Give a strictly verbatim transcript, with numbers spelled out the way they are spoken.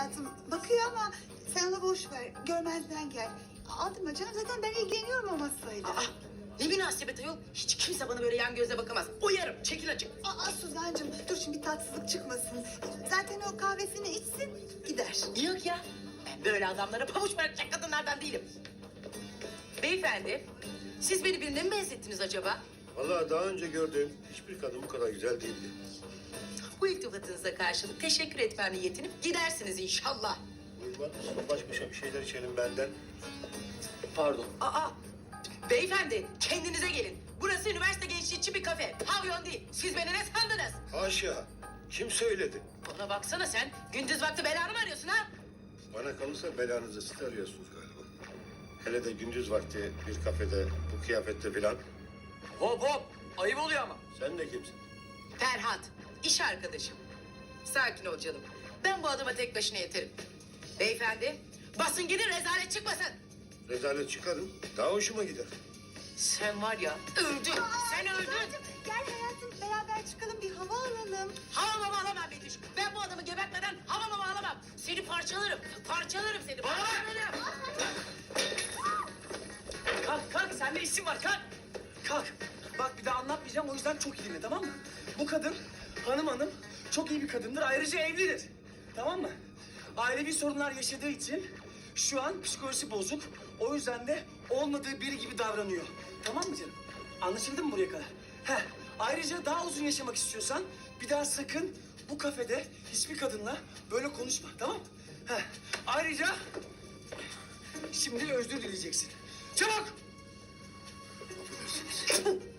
hayatım. Bakıyor ama sen onu boş ver. Görmezden gel. Aldırma canım. Zaten ben ilgileniyorum o masayla. Aa, ne münasebet ayol. Hiç kimse bana böyle yan gözle bakamaz. Uyarım, çekil açık. Aa Suzancığım dur şimdi bir tatsızlık çıkmasın. Zaten o kahvesini içsin gider. Yok ya. Ben böyle adamlara pabuç bırakacak kadınlardan değilim. Beyefendi, siz beni birine mi benzettiniz acaba? Vallahi daha önce gördüğüm hiçbir kadın bu kadar güzel değildi. Bu iltifatınıza karşılık teşekkür etmem niyetini gidersiniz inşallah. Buyurun, baş başa bir şeyler içelim benden. Pardon. Aa, beyefendi kendinize gelin. Burası üniversite gençliği için bir kafe. Pavyon değil. Siz beni ne sandınız? Haşa, kim söyledi? Bana baksana sen. Gündüz vakti belanı mı arıyorsun ha? Bana kalırsa belanızı siz arıyorsunuz galiba. Hele de gündüz vakti bir kafede bu kıyafette filan. Hop hop. Ayıp oluyor ama. Sen de kimsin? Ferhat, iş arkadaşım. Sakin ol canım. Ben bu adama tek başına yeterim. Beyefendi, basın gidin rezalet çıkmasın. Rezalet çıkarın, daha hoşuma gider. Sen var ya, öldün. Sen öldün. Suzancığım gel hayatım beraber çıkalım bir hava alalım. Hava mama alamam Betüş. Ben bu adamı gebertmeden hava mama alamam. Seni parçalarım. Parçalarım seni. Parçalarım. Kalk kalk. Sende isim var. Kalk. Kalk. Bak bir daha anlatmayacağım. O yüzden çok iyi dinle, tamam mı? Bu kadın hanım hanım çok iyi bir kadındır. Ayrıca evlidir. Tamam mı? Ailevi sorunlar yaşadığı için şu an psikolojisi bozuk. O yüzden de olmadığı biri gibi davranıyor. Tamam mı canım? Anlaşıldı mı buraya kadar? Heh. Ayrıca daha uzun yaşamak istiyorsan bir daha sakın bu kafede hiçbir kadınla böyle konuşma. Tamam mı? Heh. Ayrıca şimdi özür dileyeceksin. Çabuk! Affedersiniz.